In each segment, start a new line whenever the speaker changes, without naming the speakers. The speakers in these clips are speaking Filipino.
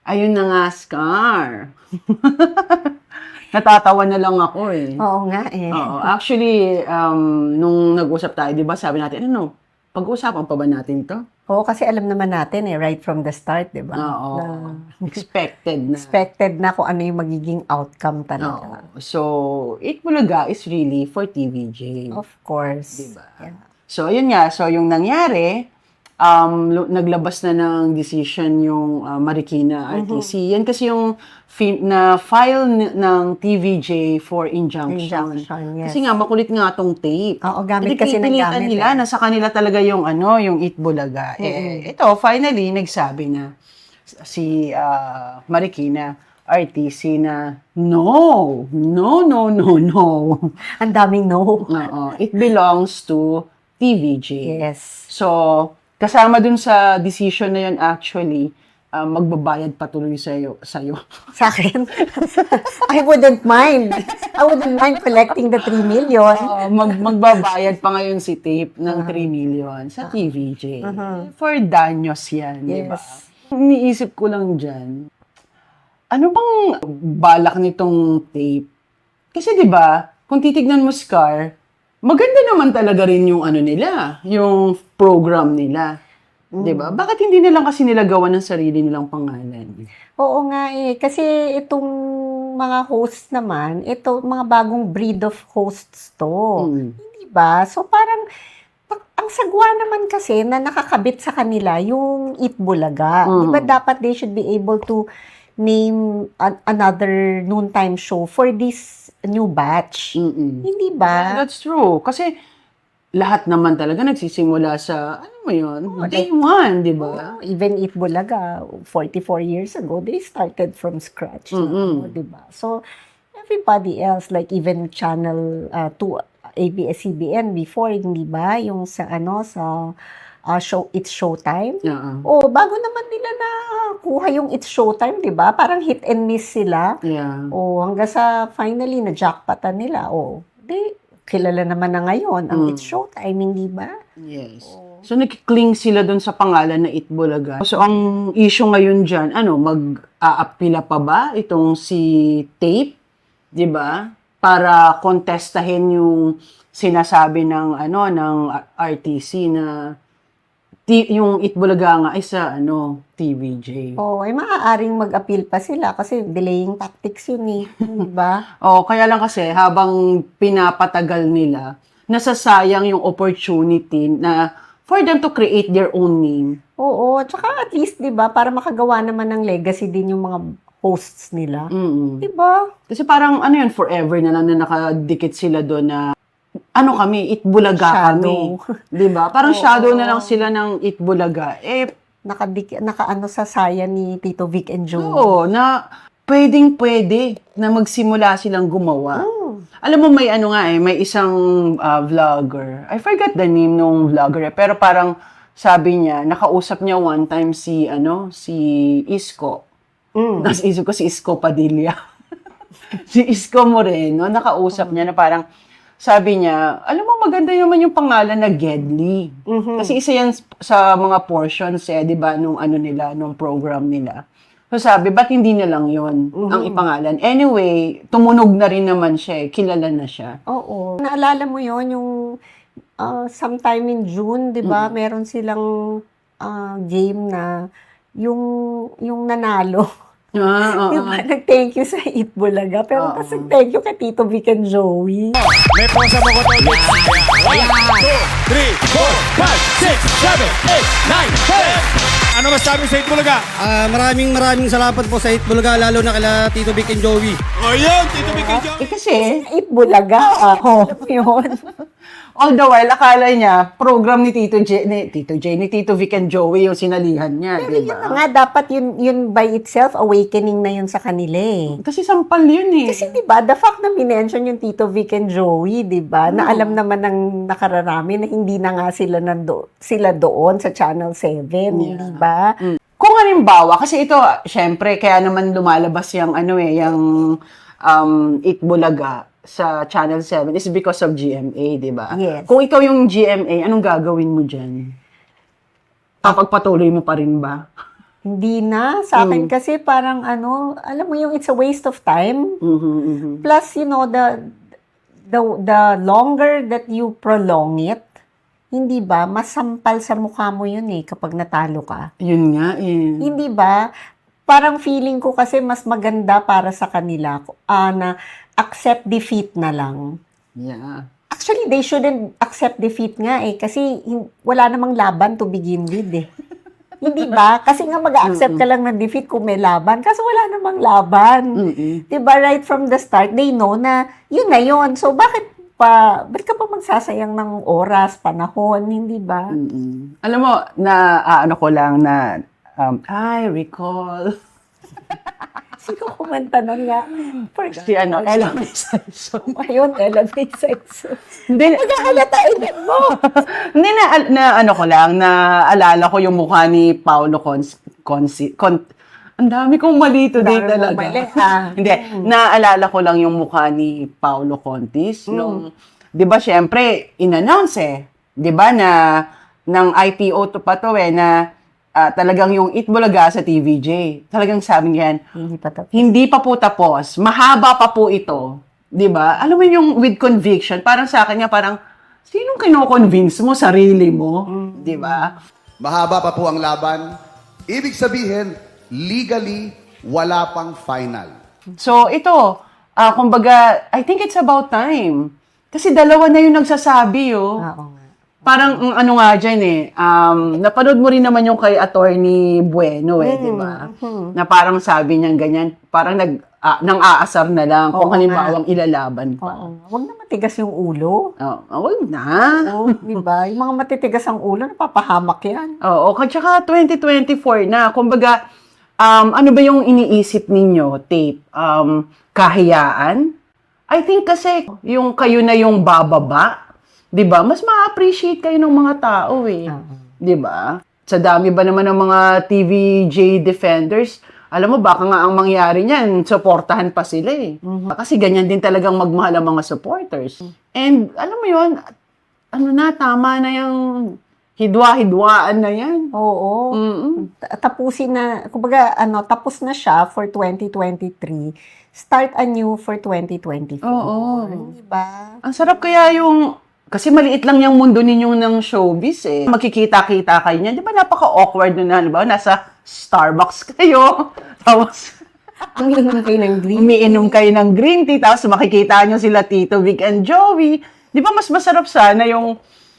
Ayun na nga, Scar. Natatawa na lang ako eh.
Oo nga eh.
Oo. Actually, nung nag-usap tayo, di ba, sabi natin, ano, pag-uusapan pa ba natin to?
Oo, kasi alam naman natin eh, right from the start, di ba?
Oo.
Na
Expected na.
expected na kung ano yung magiging outcome talaga.
Oo. So, Eat Bulaga is really for TVJ.
Of course.
Diba?
Yeah.
So, yun nga. So, yung nangyari, naglabas na ng decision yung Marikina RTC. Yan kasi yung na-file ng TVJ for injunction.
Injunction, yes.
Kasi nga, makulit nga tong tape.
Oo, gamit
Hindi
kasi ng
pipilitan
gamit
nila,
eh.
nasa kanila talaga yung yung Eat Bulaga. Ito, finally, nagsabi na si Marikina RTC na no.
Ang daming no.
Oo, it belongs to TVJ.
Yes.
So, kasama dun sa decision na yun actually, magbabayad patuloy sa'yo.
Sa akin, I wouldn't mind. I wouldn't mind collecting the 3 million.
Magbabayad pa ngayon si Tape ng 3 million sa TVJ. For danyos yan, di ba?
Yes.
Iniisip ko lang dyan, ano bang balak nitong Tape? Kasi di ba, kung titignan mo, Scar, maganda naman talaga rin yung nila, yung program nila. 'Di ba? Bakit hindi na lang kasi nila gawa ng sarili nilang pangalan?
Oo nga eh. Kasi itong mga hosts naman, ito mga bagong breed of hosts to. Hindi ba? So parang, ang sagwa naman kasi na nakakabit sa kanila yung Eat Bulaga. Di ba dapat they should be able to name another noontime show for this new batch? Hindi ba?
That's true. Kasi lahat naman talaga nagsisimula sa, day one, di ba?
Even Eat Bulaga, 44 years ago, they started from scratch. Di ba? So, everybody else, like even Channel 2, ABS-CBN before, hindi ba? Yung sa, show, It's Showtime. Bago naman nila na kuha yung It's Showtime, di ba? Parang hit and miss sila. Hanggang sa finally, na-jackpotan nila. Kilala naman na ngayon ang It's Showtime, hindi ba?
Yes. So, nag-cling sila doon sa pangalan na Eat Bulaga. So, ang issue ngayon dyan, mag-aapila pa ba itong si Tape? Di ba? Para kontestahin yung sinasabi ng, ng RTC na yung Eat Bulaga nga ay sa, TVJ.
Ay maaaring mag-appeal pa sila kasi delaying tactics yun eh. Di ba?
Kaya lang kasi habang pinapatagal nila, nasasayang yung opportunity na for them to create their own name.
Tsaka at least, di ba, para makagawa naman ng legacy din yung mga hosts nila. Di ba?
Kasi parang, forever na lang na nakadikit sila doon na, kami, Eat Bulaga kami. Di ba? Parang shadow na lang sila ng Eat Bulaga.
Sa saya ni Tito Vic and Joey.
Na pwedeng-pwede na magsimula silang gumawa. Alam mo, may may isang vlogger. I forgot the name nung vlogger. Pero parang sabi niya, nakausap niya one time si Isko. Nasa isip ko si Isko Padilla. Si Isko Moreno, nakausap niya na parang, sabi niya, alam mo, maganda naman yung pangalan na Gedli. Kasi isa yan sa mga portions, di ba, nung nung program nila. So sabi, ba't hindi na lang yun ang ipangalan? Anyway, tumunog na rin naman siya, kilala na siya.
Naalala mo yun, yung sometime in June, di ba, meron silang game na yung nanalo. Diba, nag-thank you sa Eat Bulaga. Pero kasi thank you kay Tito Vic and Joey.
May posa mo ko to. 1, 2, 3, 4, 5, 6, 7, 8, 9, 10. Ano masabi sa Eat Bulaga?
Maraming salamat po sa Eat Bulaga, lalo na kila Tito Vic and Joey.
Yun, Tito Vic and Joey.
Kasi,
Eat Bulaga. Alam mo yun.
all the while, akala niya, program ni Tito Vic and Joey yung sinalihan niya,
Pero
di
yun
ba?
na nga, dapat yun by itself, awakening na yun sa kanila eh.
Kasi sampal yun eh.
Kasi di ba, the fact na minention yung Tito Vic and Joey, di ba, na alam naman ng nakararami na hindi na nga sila doon sa Channel 7, di ba?
Kung halimbawa, kasi ito, syempre, kaya naman lumalabas yung Eat Bulaga sa Channel 7 is because of GMA, di ba?
Yes.
Kung ikaw yung GMA, anong gagawin mo dyan? Papagpatuloy mo pa rin ba?
Hindi na. Sa akin kasi parang ano, alam mo yung it's a waste of time. Plus, you know, the longer that you prolong it, hindi ba, masampal sa mukha mo yun eh kapag natalo ka.
Yun nga eh.
Hindi ba? Parang feeling ko kasi mas maganda para sa kanila na accept defeat na lang.
Yeah.
Actually, they shouldn't accept defeat nga eh kasi wala namang laban to begin with eh. Hindi ba? Kasi nga mag-accept ka lang ng defeat kung may laban. Kasi wala namang laban. Diba? Right from the start, they know na yun na yun. So, bakit ka pa magsasayang ng oras, panahon? Hindi ba?
Alam mo, ano ko lang na, I recall.
Sino kumanta nun nga?
Si Ella May Saison.
Ayun, Ella May Saison.
Hindi,
Nagkakalatain mo.
hindi na ano ko lang, naalala ko yung mukha ni Paolo ang dami kong mali today talaga. Hindi, naalala ko lang yung mukha ni Paolo Contis. Yung, di ba, syempre, in-announce eh. Di ba, na, ng IPO to pa to eh, na talagang yung Itbulaga sa TVJ. Talagang sabi niyan, hindi pa po tapos. Mahaba pa po ito. 'Di ba? Alam mo yung with conviction, parang sa akin niya parang sinong kino-convince mo, sarili mo, 'di ba?
Mahaba pa po ang laban. Ibig sabihin, legally wala pang final.
So ito, kumbaga, I think it's about time. Kasi dalawa na yung nagsasabi, oh.
Oo nga.
Parang ano nga dyan eh, napanood mo rin naman yung kay Attorney Bueno eh, di ba? Na parang sabi niya ganyan, parang nang aasar na lang kung halimbawang ilalaban pa.
Oo. Huwag na matigas yung ulo.
Wag na.
Oo, di ba? Yung mga matitigas ang ulo, napapahamak yan.
Oo, at saka 2024 na. Kumbaga, ano ba yung iniisip ninyo, tape? Kahiyaan? I think kasi yung kayo na yung bababa, 'di ba? Mas ma-appreciate kayo ng mga tao eh. 'Di ba? Sa dami ba naman ng mga TVJ defenders, alam mo baka nga ang mangyari niyan, suportahan pa sila eh. Kasi ganyan din talagang magmahal ang mga supporters. And alam mo 'yon, tama na yung hidwa-hidwaan na yan.
Oo. Tapusin na, kumbaga, tapos na siya for 2023. Start anew for 2024.
Oo.
Di ba?
Ang sarap kaya yung, kasi maliit lang yung mundo ninyo ng showbiz eh. Magkikita-kita kayo niyan. Di ba napaka-awkward nun na, ba? Nasa Starbucks kayo. Tapos,
Umiinom kayo ng green.
umiinom kayo ng green tea. Tapos makikita nyo sila Tito Vic and Joey. Di ba mas masarap sana yung,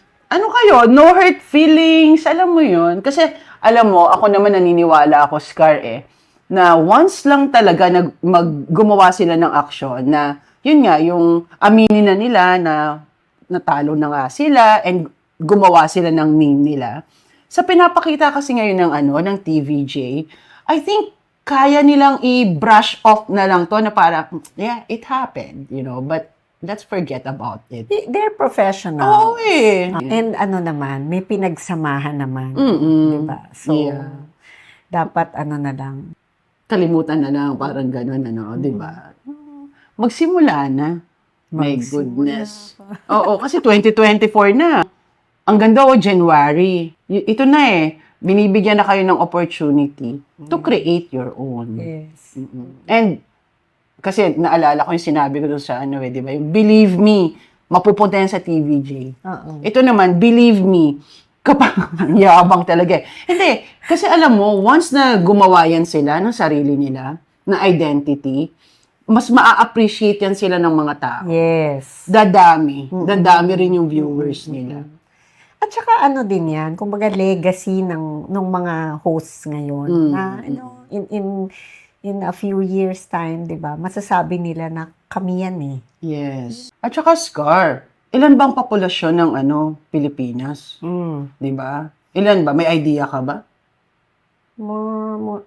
no hurt feelings, alam mo yun. Kasi, alam mo, ako naman naniniwala ako, Scar na once lang talaga gumawa sila ng aksyon na, yun nga, yung aminin na nila na natalo na nga sila and gumawa sila ng name nila. Sa pinapakita kasi ngayon ng TVJ, I think kaya nilang i-brush off na lang to na para, yeah, it happened, but let's forget about it.
They're professional.
Oo eh.
And naman, may pinagsamahan naman. Diba? So,
Yeah.
dapat na lang.
Kalimutan na lang, parang gano'n, di ba? Magsimula na. My goodness. Oo, kasi 2024 na. Ang ganda January. Ito na binibigyan na kayo ng opportunity to create your own.
Yes.
And, kasi naalala ko yung sinabi ko doon sa di ba? Yung believe me, mapupunta yan sa TVJ. Ito naman, believe me, kapag yabang talaga Hindi, kasi alam mo, once na gumawa yan sila ng sarili nila, na identity, mas maa-appreciate yan sila ng mga tao.
Yes.
Dadami rin yung viewers nila.
At saka din yan, kumbaga legacy ng mga hosts ngayon na in a few years time, 'di ba? Masasabi nila na kami yan eh.
Yes. At saka Scar, ilan bang populasyon ng Pilipinas? 'Di ba? Ilan ba? May idea ka ba?
More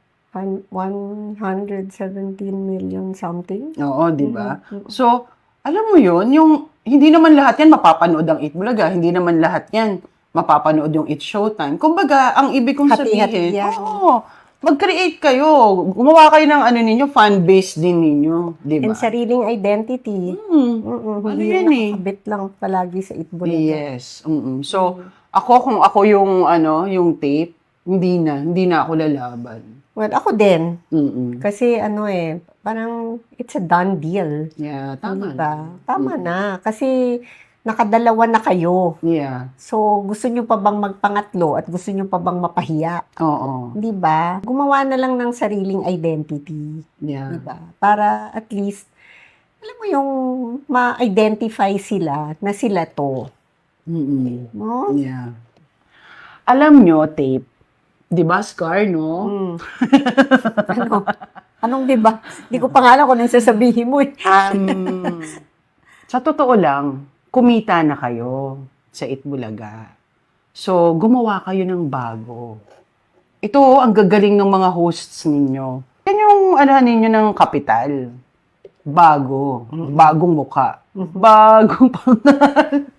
117 million something.
Oo, 'di ba? So, alam mo 'yun, yung hindi naman lahat yan mapapanood ang Itbulaga, hindi naman lahat yan mapapanood yung It's Showtime. Kumbaga, ang ibig kong
Hati-hati
sabihin,
yan.
mag-create kayo. Gumawa kayo ng ninyo, fan base din ninyo, di ba?
And sariling identity. Hindi
yan
nakabit lang palagi sa Itbulaga.
Yes. So, kung ako yung, yung tape, Hindi na ako lalaban.
Well, ako din.
Mm-mm.
Kasi parang it's a done deal.
Yeah, tama.
Diba? Tama na. Kasi nakadalawa na kayo.
Yeah.
So, gusto nyo pa bang magpangatlo at gusto nyo pa bang mapahiya?
Oo.
Di ba? Gumawa na lang ng sariling identity.
Yeah.
Di ba? Para at least, alam mo yung ma-identify sila na sila to.
Mm-mm.
No?
Yeah. Alam nyo, Tape, di ba, Scar, no?
Hmm. Ano? Anong di ba? Hindi ko pa nga alam kung anong sasabihin mo eh.
Sa totoo lang, kumita na kayo sa Itbulaga. So, gumawa kayo ng bago. Ito, ang gagaling ng mga hosts ninyo. Yan yung, ninyo ng kapital. Bago. Bagong muka. Bagong pangalan.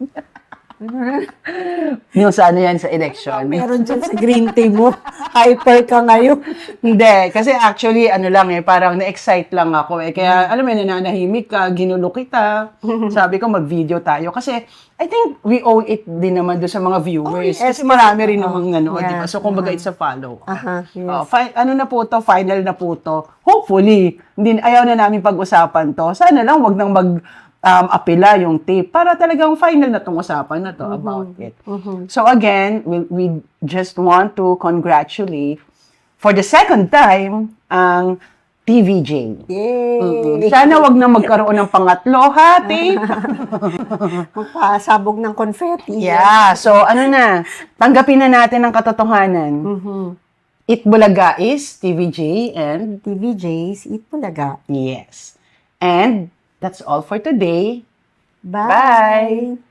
Yung sa yan sa election.
Meron dyan sa green tea mo. Hyper ka ngayon.
Hindi, kasi actually, parang na-excite lang ako eh. Kaya, alam mo, nananahimik ka, ginulo kita. Sabi ko, mag-video tayo. Kasi, I think we owe it din naman doon sa mga viewers.
yes.
Kasi marami rin namang
Yeah.
di ba? So, kumbaga, it's a follow.
Yes.
Na po to, final na po to. Hopefully, ayaw na namin pag-usapan to. Sana lang, wag nang apela yung tape para talagang final na tong usapan na to about it. So again, we just want to congratulate for the second time ang TVJ.
Yay!
Sana wag na magkaroon ng pangatlo, ha, tape?
Magpasabog ng confetti.
Yeah, so tanggapin na natin ang katotohanan. Itbulaga is TVJ and
TVJ's Itbulaga.
yes. And that's all for today.
Bye!
Bye.